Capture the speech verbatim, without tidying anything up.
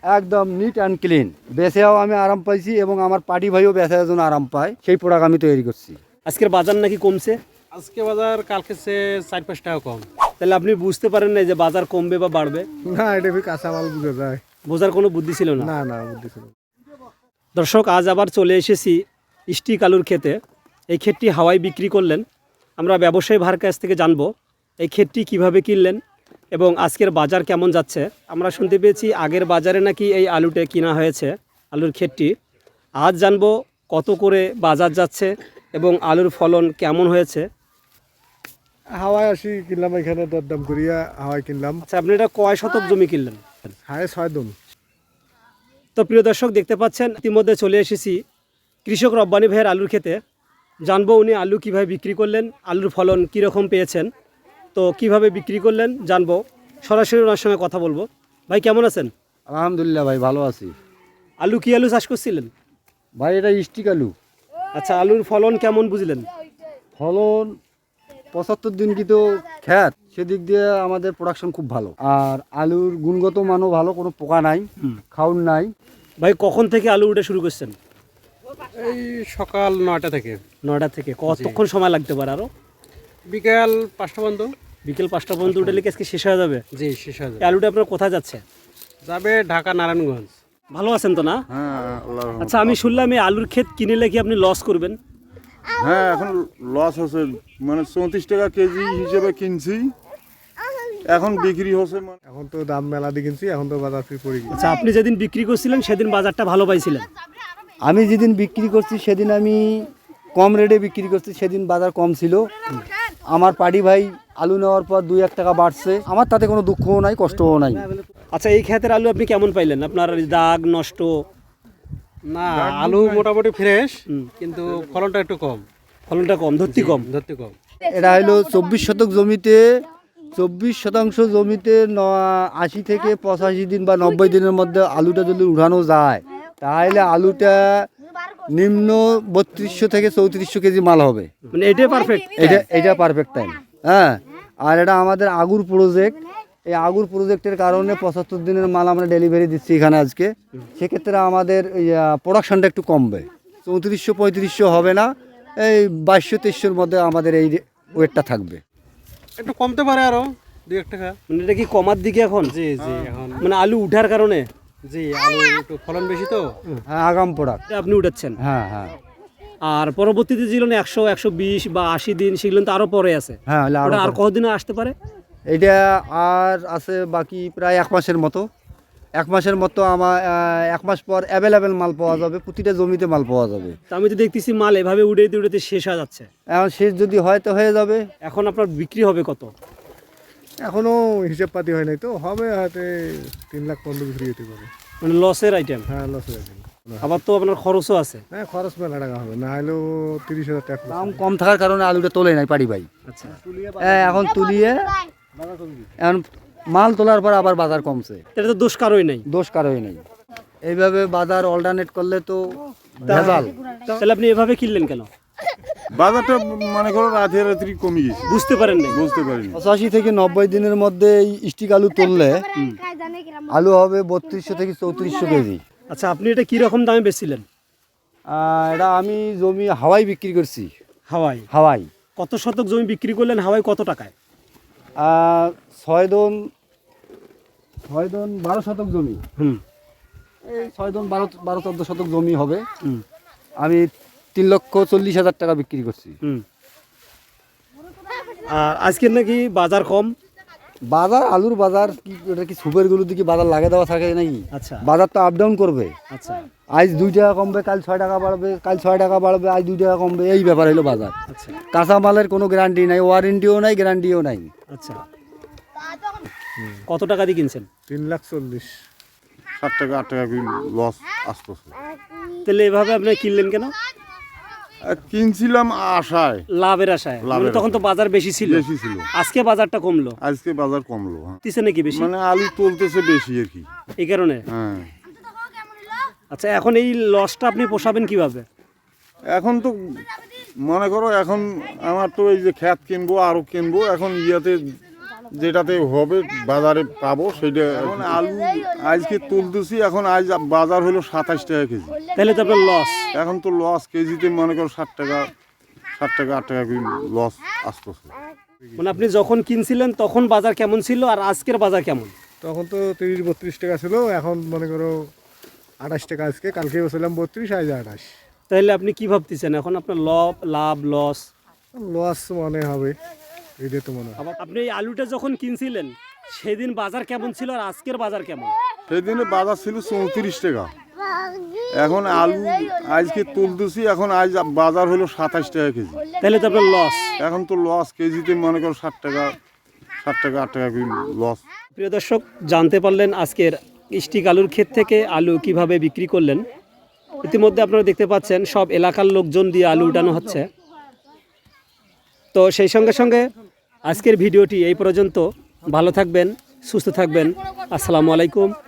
একদম neat and clean. বেচেও আমি আরাম পাইছি এবং আমার পার্টি ভাইও বেচার জন্য আরাম পায়, সেই প্রোডাক্ট আমি তৈরি করছি। আজকের বাজার নাকি কমছে? আজকে বাজার কালকে চেয়ে চার পাঁচ টাকা কম। তাহলে আপনি বুঝতে পারেন না যে বাজার কমবে বা বাড়বে? না, এটা কাঁচামাল বুঝে যায়, বোঝার কোনো বুদ্ধি ছিল না। না না বুদ্ধি ছিল। দর্শক, আজ আবার চলে এসেছি স্টিক আলুর ক্ষেতে। এই ক্ষেতটি হাওয়ায় বিক্রি করলেন। আমরা ব্যবসায়ী ভাইয়ের কাছ থেকে জানবো এই ক্ষেতটি কিভাবে কিনলেন এবং আজকের বাজার কেমন যাচ্ছে। আমরা শুনতে পেয়েছি আগের বাজারে নাকি এই আলুটা কিনা হয়েছে, আলুর ক্ষেতটি। আজ জানবো কত করে বাজার যাচ্ছে এবং আলুর ফলন কেমন হয়েছে। হাওয়ায় আসি কিনলাম, এখানে দরদাম করিয়া হাওয়ায় কিনলাম। আচ্ছা, আপনি এটা কয় শতক জমি কিনলেন? হায় ছয় দম। তো প্রিয় দর্শক, দেখতে পাচ্ছেন ইতিমধ্যে চলে এসেছি কৃষক রব্বানী ভাইয়ের আলুর ক্ষেতে। জানবো উনি আলু কীভাবে বিক্রি করলেন, আলুর ফলন কীরকম পেয়েছেন, তো কিভাবে বিক্রি করলেন জানবো। সরাসরি ওনার সঙ্গে কথা বলবো। ভাই কেমন আছেন? আলহামদুলিল্লাহ ভাই, ভালো আছি। আলু কি আলু চাষ করছিলেন? ভাই এটা স্টিক আলু। আচ্ছা, আলুর ফলন কেমন বুঝলেন? ফলন পঁচাত্তর দিন কি তো খ্যাত, সেদিক দিয়ে আমাদের প্রোডাকশন খুব ভালো। আর আলুর গুণগত মানও ভালো, কোনো পোকা নাই, খাউন নাই। ভাই কখন থেকে আলু উঠে শুরু করছেন? এই সকাল নয়টা থেকে নয়টা থেকে। কতক্ষণ সময় লাগতে পারে আরও? বিকাল পাঁচটা পর্যন্ত। বিকেল পাঁচটা পর্যন্ত উঠলে কি আজকে শেষ হয়ে যাবে? জি, শেষ হয়ে এই যাবে। আলুটা আপনার কোথায় যাচ্ছে? যাবে ঢাকা নারায়ণগঞ্জ। ভালো আছেন তো না? হ্যাঁ আল্লাহর রহমতে। আচ্ছা, আমি শুনলাম এই আলুর ক্ষেত কিনলে কি আপনি লস করবেন? হ্যাঁ, এখন লস হচ্ছে, মানে চৌত্রিশ টাকা কেজি হিসেবে কিনছি, এখন বিক্রি হচ্ছে মানে এখন তো দাম মেলা দিয়ে কিনছি, এখন তো বাজার ফির পড়ে গেছে। আচ্ছা, আপনি যেদিন বিক্রি করছিলেন সেদিন বাজারটা ভালো পাইছিলেন? আমি যেদিন বিক্রি করছি সেদিন আমি কম রেটে বিক্রি করছি, সেদিন বাজার কম ছিল। আমার পার্টি ভাই আলু নেওয়ার পর দুই এক টাকা বাড়ছে, আমার তাতে কোনো দুঃখও নাই, কষ্টও নাই। আচ্ছা, এই ক্ষেতের আলু আপনি কেমন পাইলেন? আপনার দাগ নষ্ট? না, আলু মোটামুটি ফ্রেশ, কিন্তু ফলনটা একটু কম। ফলনটা কম, ধরতি কম। ধরতে কম। এটা হলো চব্বিশ শতক জমিতে, চব্বিশ শতাংশ জমিতে ন আশি থেকে পঁচাশি দিন বা নব্বই দিনের মধ্যে আলুটা যদি উঠানো যায়, তাহলে আলুটা নিম্ন বত্রিশশো থেকে চৌত্রিশশো কেজি মাল হবে। মানে এটাই পারফেক্ট? এটা এটা পারফেক্ট টাইম। হ্যাঁ, আর এটা আমাদের আগুর প্রজেক্ট। এই আগুর প্রজেক্টের কারণে পঁচাত্তর দিনের মাল আমরা ডেলিভারি দিচ্ছি এখানে আজকে। সেক্ষেত্রে আমাদের প্রোডাকশনটা একটু কমবে, চৌত্রিশশো পঁয়ত্রিশশো হবে না, এই বাইশশো তেইশশোর মধ্যে আমাদের এই ওয়েটটা থাকবে। একটু কমতে পারে আরো দুই এক টাকা। মানে এটা কি কমার দিকে এখন? জি জি, এখন মানে আলু উঠার কারণে? জি, আলু একটু ফলন বেশি তো। হ্যাঁ, আগাম প্রোডাক্ট। এটা আপনি উঠাচ্ছেন? হ্যাঁ হ্যাঁ আর পরবর্তীতে যেগুলো একশো একশো বিশ বা আশি দিন, সেগুলো তো আরো পরে আছে। হ্যাঁ, হলে আরো ওটা আর পরে। কতদিনে আসতে পারে? এটা আর আছে বাকি প্রায় এক মাসের মতো। এক মাসের মতো আমার এক মাস পর অ্যাভেলেবেল মাল পাওয়া যাবে, প্রতিটা জমিতে মাল পাওয়া যাবে। তা আমি তো দেখতেছি মাল এভাবে উড়াইতে উড়াইতে শেষ হয়ে যাচ্ছে। এখন শেষ যদি হয় তো হয়ে যাবে। এখন আপনার বিক্রি হবে কত? এখনো হিসেব পাতি হয় নাই, তো হবে হয়তো তিন লাখ পনেরো বিক্রি হতে পারে। মানে লসের আইটেম। হ্যাঁ, লস হয়ে যাবে। আবার তো আপনার খরচও আছে। হ্যাঁ, খরচ মেলা টাকা হবে, না হলেও তিরিশ হাজার টাকা খরচ দাম হবে। কম থাকার কারণে আলুটা তোলে নাই পারি ভাই। আচ্ছা, হ্যাঁ, এখন তুলিয়ে এখন মাল তোলার পর আবার বাজার কমছে, এটা তো দোষ কারোই নাই। দোষ কারোই নেই। এইভাবে বাজার অল্টারনেট করলে তো ভেজাল। তাহলে আপনি এভাবে কিনলেন কেন? বাজারটা মনে করো রাতে রাত্রি কমে গেছে, বুঝতে পারেন নাই? বুঝতে পারিনি। পঁচাশি থেকে নব্বই দিনের মধ্যে এই স্টিক আলু তুললে আলু হবে বত্রিশশো থেকে চৌত্রিশশো কেজি। আচ্ছা, আপনি এটা কি রকম দামে বেচছিলেন? আহ, এটা আমি জমি হাওয়াই বিক্রি করছি। হাওয়াই? হাওয়াই কত শতক জমি বিক্রি করলেন হাওয়াই কত টাকায়? আহ, ছয় দন ছয় দন বারো শতক জমি। হুম এই ছয় দন বারো বারো চোদ্দ শতক জমি হবে। হুম আমি তিন লক্ষ চল্লিশ হাজার টাকা বিক্রি করছি। হুম আর আজকের নাকি বাজার কম? বাজার আলুর বাজার কি, এটা কি সুপারগুলোর দিকে বাজার লাগিয়ে দেওয়া থাকে নাকি? আচ্ছা বাজার তো আপ ডাউন করবে। আচ্ছা আজ দুই টাকা কমবে, কাল ছয় টাকা বাড়বে, কাল ছয় টাকা বাড়বে, আজ দুই টাকা কমবে, এই ব্যাপার হলো বাজার। আচ্ছা কাঁচা মালের কোনো গ্যারান্টি নাই, ওয়ারেন্টিও নাই, গ্যারান্টিও নাই। আচ্ছা, কত টাকা দিয়ে কিনছেন? তিন লাখ চল্লিশ। ষাট টাকা আট টাকা লস আসতেছে। তাহলে এভাবে আপনি কিনলেন কেন? আর কিনছিলাম আশায়, লাভের আশায়? লাভের মানে তখন তো বাজার বেশি ছিল। বেশি ছিল, আজকে বাজারটা কমলো, আজকে বাজার কমলো। হ্যাঁ, দিছে নাকি বেশি? মানে আলু তুলতেছে বেশি আর কি, এই কারণে? হ্যাঁ। আচ্ছা, এখন এই লসটা আপনি পোষাবেন কিভাবে? এখন তো মনে করো এখন আমার তো এই যে খ্যাত কিনবো আরো কিনবো, এখন ইয়াতে যেটাতে হবে বাজারে পাবো সেটা। এখন আলু আজকে তুলতেছি, এখন আজ বাজার হলো সাতাশ টাকা কেজি। তাহলে তো আপনার লস। এখন তো লস, কেজিতে মনে করো ষাট টাকা ষাট টাকা আট টাকা করে লস আসতেছে। মানে আপনি যখন কিনছিলেন তখন বাজার কেমন ছিল আর আজকের বাজার কেমন? তখন তো তিরিশ বত্রিশ টাকা ছিল, এখন মনে করো আঠাশ টাকা আজকে, কালকে বলছিলাম বত্রিশ, আজ আঠাশ। তাহলে আপনি কি ভাবতেছেন এখন আপনার লাভ লাভ লস? লস মনে হবে, এটা তো মনে হয়। আপনি এই আলুটা যখন কিনছিলেন সেদিন বাজার কেমন ছিল আর আজকের বাজার কেমন? সেদিনে বাজার ছিল চৌত্রিশ টাকা, এখন আলু আজকে তুলতেছি, এখন আজ বাজার হলো সাতাশ টাকা কেজি। তাহলে তো আপনার লস। এখন তো লস, কেজিতে মনে করো ষাট টাকা ষাট টাকা আট টাকা করে লস। প্রিয় দর্শক, জানতে পারলেন আজকের স্টিক আলুর ক্ষেত থেকে আলু কিভাবে বিক্রি করলেন। ইতিমধ্যে আপনারা দেখতে পাচ্ছেন সব এলাকার লোকজন দিয়ে আলু উঠানো হচ্ছে। তো সেই সঙ্গে সঙ্গে আজকের ভিডিওটি এই পর্যন্ত। ভালো থাকবেন, সুস্থ থাকবেন। আসসালামু আলাইকুম।